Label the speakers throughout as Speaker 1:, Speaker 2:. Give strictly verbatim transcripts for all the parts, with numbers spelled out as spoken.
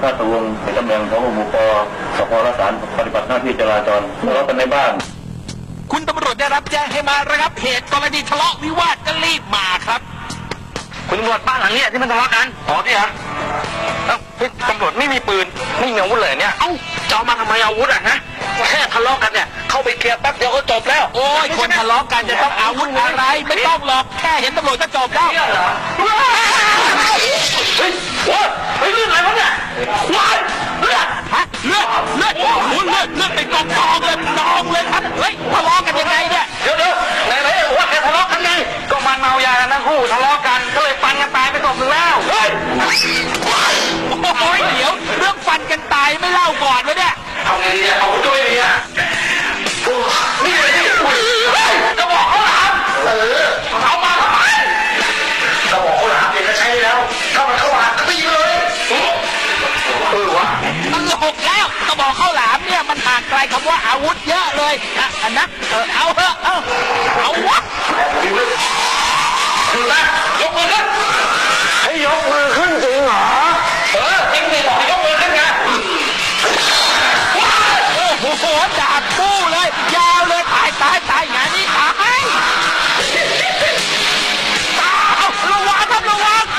Speaker 1: ข้าตวงในตำแหน่งของหมู่ปสพรักษาปฏิบัติหน้าที่จราจรทะเลาะกันในบ้าน
Speaker 2: คุณตำรวจได้รับแจ้งให้มาระงับเหตุกรณีทะเลาะวิวาทก็รีบมาครับ
Speaker 3: คุณตำรวจบ้านหลังนี้ที่มันทะเลาะกันอ๋อที่ฮะเอ้าตำรวจไม่มีปืนไม่มีอาวุธเลยเนี่ยเอ้าจะเอามาทำไมอาวุธอ่ะฮะแค่ทะเลาะกันเนี่ยเข้าไปเคลียร์แป๊บเดียวก็จบแล้ว
Speaker 2: โอ้ยคนทะเลาะกันจะต้องอาวุธอะไรไม่ต้องหรอกแค่เห็นตำรวจก็จบแล้ว
Speaker 3: เฮ้ยว้าเฮ้ยเรื่องอะไรวะเนี่ยว้าเลือด
Speaker 2: ฮะเลือดเลือดโอ้โหเลือดเลือดเป็นกองกองเลยนองเลยครับเฮ้ยทะเลาะกันยังไงเนี่ย
Speaker 3: เดี๋ยวเดี๋ยวไหนไหนบอกว่าแค่ทะเลาะกันไงก็มันเมายากันทั้งคู่ทะเลาะกันก็เลยฟันกันตายไปศพหนึ่งแล้วเฮ้ย
Speaker 2: โอ้ยเดี๋ยวเรื่องฟันกันตายไม่เล่าก่อนวะเนี่ย
Speaker 3: เอาไงดีเอาด้วยดีอ่ะนี่เลยนี่จะบอกเขาหลามเออเอามาทำไมจะบอกเขาหลามเด็กก็ใช้แล้วถ้ามันเข้ามาก็ตีเลยเออวะ
Speaker 2: ตลกแล้วก็บอกข้าวหลามเนี่ยมันห่างไกลคำว่าอาวุธเยอะเลยอ่ะอันนักเออเอาเถอะเอาเอาวะ
Speaker 3: ดูนะยกมือขึ้นให้ยกมือขึ้นจริงเหรอเออจริงสิบอกให้ยกมือขึ้นไง
Speaker 2: โอ้โหดาบปู้เลยยาวเลยตายตายตายงานนี้ตายเอาระวังครับระวัง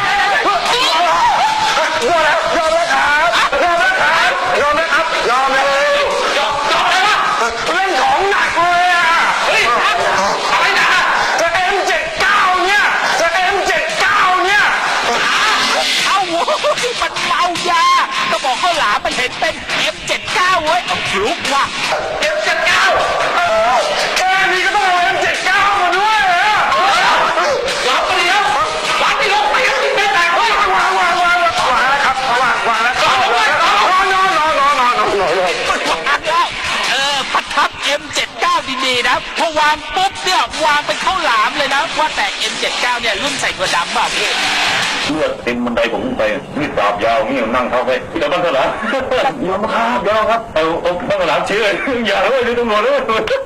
Speaker 3: ยอมแล้วยอมแล้วครับยอมแล้วครับยอมแล้วครับยอมเลยยอมยอมเลยวะเล่นของหนักเลยอ่ะเฮ้ยอะไรนะจะ เอ็ม เจ็ดสิบเก้า เนี่ยจะ เอ็ม เจ็ดสิบเก้า เนี่ย
Speaker 2: เอาโว้ยมันเมายาก็บอกข้าวหลามมันเห็นเป็น เอ็ม เจ็ดสิบเก้า เว้ยเอาฟลุกว่ะ
Speaker 3: เอ็ม เจ็ดสิบเก้า แค่นี้ก็ต้องเอา เอ็ม เจ็ดสิบเก้า มาด้วยเหรอวางไปเดียววางไปลงไปกันไม่ได้เฮ้ยวางวางวางวางวางแล้วครับวางวางแล้วนอนนอนนอนนอนนอนนอนนอนนอนเลยว
Speaker 2: างแล้วเออประทับ เอ็ม เจ็ดสิบเก้า ดีๆนะพอวางปุ๊บเนี่ยวางเป็นข้าวหลามเลยนะว่าแต่ เอ็ม เจ็ดสิบเก้า เนี่ยรุ่นใส่กระดำแบบนี้
Speaker 1: เลือดเต็มบันไดผมไปมีดดาบยาวนี่นั่งเข้าไปเดี๋ยวบ้านเถอะเหรอยอมครับยอมครับเอาเอาบ้านหลังเชื่ออย่าเลยดูตำรวจเลย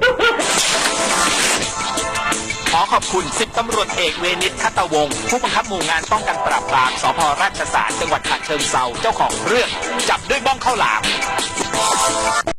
Speaker 2: ขอขอบคุณสิบตำรวจเอกเวนิชคัตวงศ์ผู้บังคับหมู่งานป้องกันปราบปรามสภ.ราชสารจังหวัดฉะเชิงเทราเจ้าของเรื่องจับด้วยบ้องข้าวหลาม